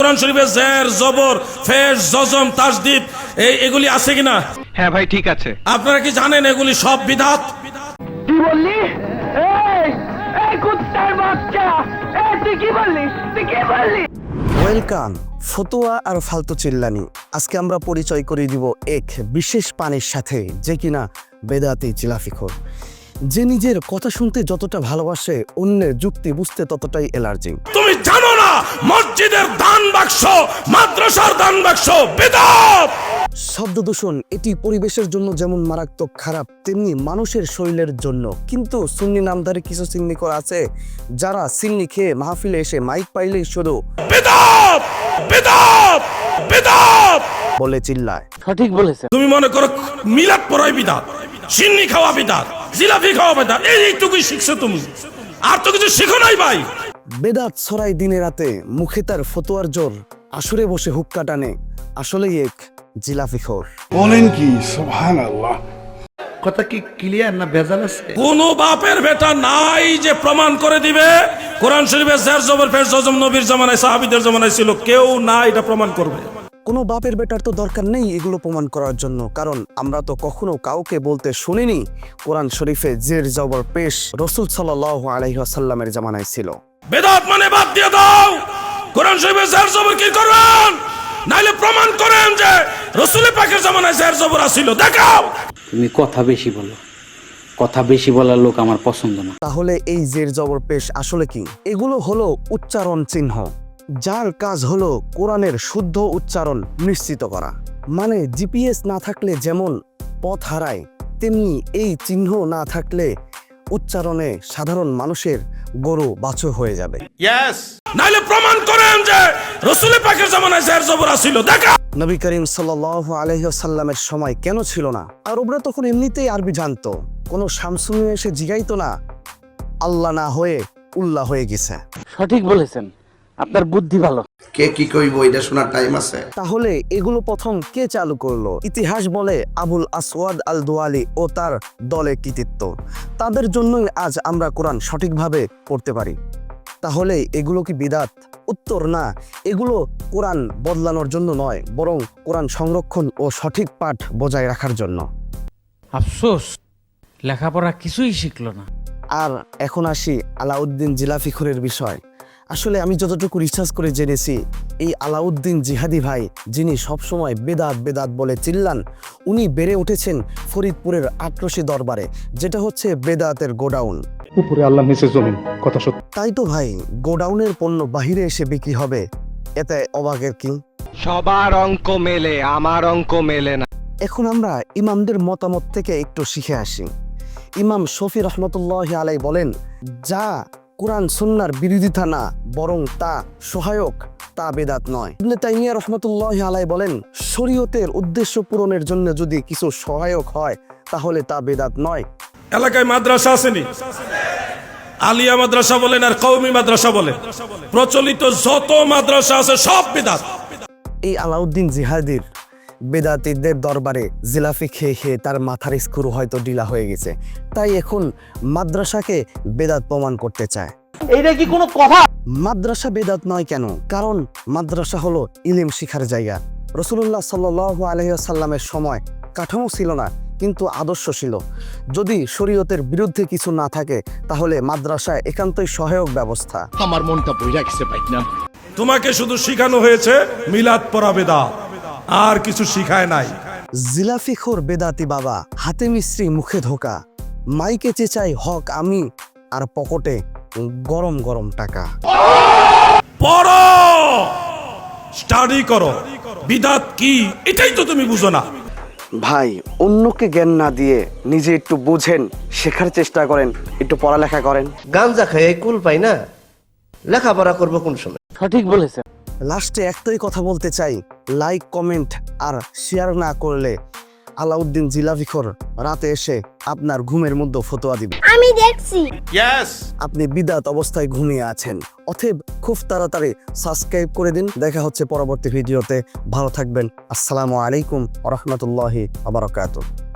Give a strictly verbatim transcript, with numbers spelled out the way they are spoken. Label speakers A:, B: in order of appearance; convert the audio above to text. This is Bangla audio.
A: কোরআন শরীফে জের জবর ফেশ জজম তাসদীদ এই এগুলি আছে কিনা?
B: হ্যাঁ ভাই ঠিক আছে।
A: আপনারা কি জানেন এগুলি সব বিদআত?
C: কি বললি? এই এই কুত্তার বাচ্চা, এই তুই কি বললি? তুই কি বললি?
D: ওয়েলকাম ফতোয়া আর ফালতু চিল্লানি। আজকে আমরা পরিচয় করিয়ে দিব এক বিশেষ পানির সাথে, যে কিনা বেদাতি চিলাফিখোর, যে নিজের কথা শুনতে যতটা ভালোবাসে অন্যের যুক্তি বুঝতে ততটাই অ্যালার্জি।
A: তুমি জানো না মসজিদের দান বাক্স মাদ্রাসার দান বাক্স বিদআত।
D: শব্দ দূষণ এটি পরিবেশের জন্য যেমন মারাত্মক খারাপ, তেমনি মানুষের শরীরের জন্য। কিন্তু সুন্নি নামধারী কিছু সিন্নিকর আছে যারা সিন্নি খেয়ে মাহফিলে এসে মাইক পাইলেই শুধু
A: বিদআত বিদআত বিদআত
D: বলে চিল্লায়।
C: সঠিক বলেছেন।
A: তুমি মনে করো মিলাদ পড়াই বিদআত, সিন্নি খাওয়া বিদআত, জিলাপি খাওয়া বিদআত, এইটুকুই শিখছো তুমি, আর তো কিছু শিখো নাই ভাই।
D: বেদাত ছড়াই দিনে রাতে, মুখে তার ফতোয়ার জোর, আসরে বসে হুক্কা টানে, আসলেই এক জিলাফিখোর।
E: বলেন কি? সুবহানাল্লাহ।
B: কথা কি ক্লিয়ার না ভেজাল আছে?
A: কোন বাপের বেটা নাই যে প্রমাণ করে দিবে কোরআন শরীফে জের জবর ফেশ জজম নবীর জামানায় সাহাবীদের জামানায় ছিল, কেউ না এটা প্রমাণ করবে।
D: কোনো বাপের বেটার তো দরকার নেই এগুলো প্রমাণ করার জন্য, কারণ আমরা তো কখনো কাউকে বলতে শুনিনি কোরআন শরীফে জের জবর পেশ রাসূল সাল্লাল্লাহু আলাইহি ওয়াসাল্লামের জামানায় ছিল।
A: বেদাত মানে বাদ দিয়ে দাও, কোরআন শরীফে জের জবর কি করবেন? নাইলে প্রমাণ করেন যে রাসূল পাকের জামানায় জের জবর ছিল, দেখাও।
F: তুমি কথা বেশি বলো, কথা বেশি বলার লোক আমার পছন্দ না।
D: তাহলে এই জের জবর পেশ আসলে কি? এগুলো হলো উচ্চারণ চিহ্ন, যার কাজ হলো কোরআনের শুদ্ধ উচ্চারণ নিশ্চিত করা। মানে জিপিএস না থাকলে যেমন পথ হারায়, তেমনি এই চিহ্ন না থাকলে উচ্চারণে সাধারণ মানুষের গরু বাছুর হয়ে যাবে।
A: ইয়েস, নাইলে প্রমাণ করেন যে রাসূল পাকের জামানায় জের জবর ছিল, দেখাও।
D: নবী করিম সাল্লাল্লাহু আলাইহি ওয়াসাল্লামের সময় কেন ছিল না? আর ওরা তখন এমনিতেই আরবি জানতো, কোনো শামসুনি এসে জিগাইতো না, আল্লাহ না হয়ে উল্লাহ হয়ে গেছে।
C: সঠিক বলেছেন, আপনার বুদ্ধি ভালো।
E: কে কি কইব এটা শোনার টাইম আছে?
D: তাহলে এগুলো প্রথম কে চালু করলো? ইতিহাস বলে আবুল আসওয়াদ আল দুয়ালি ও তার দলে কৃতিত্ব। তাদের জন্যই আজ আমরা কোরআন সঠিকভাবে পড়তে পারি। তাহলে এগুলো কি বিদআত? উত্তর না, এগুলো কোরআন বদলানোর জন্য নয়, বরং কোরআন সংরক্ষণ ও সঠিক পাঠ বজায় রাখার জন্য।
G: আফসোস, লেখাপড়া কিছুই শিখলো না।
D: আর এখন আসি আলাউদ্দিন জিলাফিখোরের বিষয়। আসলে আমি যতটুকু রিসার্চ করে জেনেছি, এই আলাউদ্দিন জিহাদি ভাই, যিনি সবসময় বেদাত বেদাত বলে চিল্লান, উনি বেড়ে উঠেছেন ফরিদপুরের আটরশি দরবারে, যেটা হচ্ছে বেদাতের গোডাউন।
H: উপরে আল্লাহ নিচে জমিন, কথা সত্য।
D: তাই তো ভাই, গোডাউনের পণ্য বাহিরে এসে বিক্রি হবে, এতে অবাকের কি?
B: সবার অঙ্ক মেলে, আমার অঙ্ক মেলে না।
D: এখন আমরা ইমামদের মতামত থেকে একটু শিখে আসি। ইমাম শফি রহমতুল্লাহ আলাই বলেন, যা কোরআন সুন্নাহর বিরোধিতা না, বরং তা সহায়ক, তা বেদাত নয়। ইবনে তাইমিয়া রহমতুল্লাহ আলাই বলেন, শরীয়তের উদ্দেশ্য পূরণের জন্য যদি কিছু সহায়ক হয় তাহলে তা বেদাত নয়।
A: এলাকায় মাদ্রাসা আসেনি, আলিয়া মাদ্রাসা বলেন আর কওমি মাদ্রাসা বলেন, প্রচলিত যত মাদ্রাসা আছে সব বিদআত।
D: এই আলাউদ্দিন জিহাদির বেদাতীদের দরবারে জিলাফি খেয়ে খেয়ে তার মাথার স্ক্রু হয়তো ঢিলা হয়ে গেছে, তাই এখন মাদ্রাসাকে বেদাত প্রমাণ করতে চায়।
C: এইটা কি কোনো কথা?
D: মাদ্রাসা বেদাত নয় কেন? কারণ মাদ্রাসা হলো ইলম শিখার জায়গা। রাসূলুল্লাহ সাল্লাল্লাহু আলাইহি ওয়াসাল্লামের সময় কাঠামো ছিল না, কিন্তু আদর্শ ছিল। যদি শরীয়তের বিরুদ্ধে কিছু না থাকে তাহলে মাদ্রাসায় একান্তই সহায়ক ব্যবস্থা।
H: আমার মনটা বইরা গেছে ভাই না।
A: তোমাকে শুধু শিখানো হয়েছে মিলাদ পড়া বেদাত, আর কিছু শিখায় নাই।
D: জিলাফিখোর বেদাতি বাবা, হাতে মিস্ত্রি মুখে ধোকা, মাইকে চেঁচাই হক আমি, আর পকেটে গরম গরম টাকা।
A: পড়ো, স্টাডি করো, বিদআত কি এটাই তো তুমি বুঝো না।
D: ভাই, অন্যকে জ্ঞান না দিয়ে নিজে একটু বুঝেন, শেখার চেষ্টা করেন, একটু পড়ালেখা করেন।
I: গাঞ্জা খাই কুল পাই না, লেখাপড়া করবো কোন সময়?
C: সঠিক বলেছেন।
D: লাস্টে একটাই কথা বলতে চাই, লাইক কমেন্ট আর শেয়ার না করলে আলাউদ্দিন জিলাফিখোর রাতে এসে আপনার ঘুমের মধ্যে ফতোয়া দিবে।
J: আমি দেখছি
A: ইয়েস,
D: আপনি বিদআত অবস্থায় ঘুমিয়ে আছেন। অতএব খুব তাড়াতাড়ি সাবস্ক্রাইব করে দিন। দেখা হচ্ছে পরবর্তী ভিডিওতে। ভালো থাকবেন। আসসালামু আলাইকুম ওয়া রাহমাতুল্লাহি ওয়া বারাকাতুহু।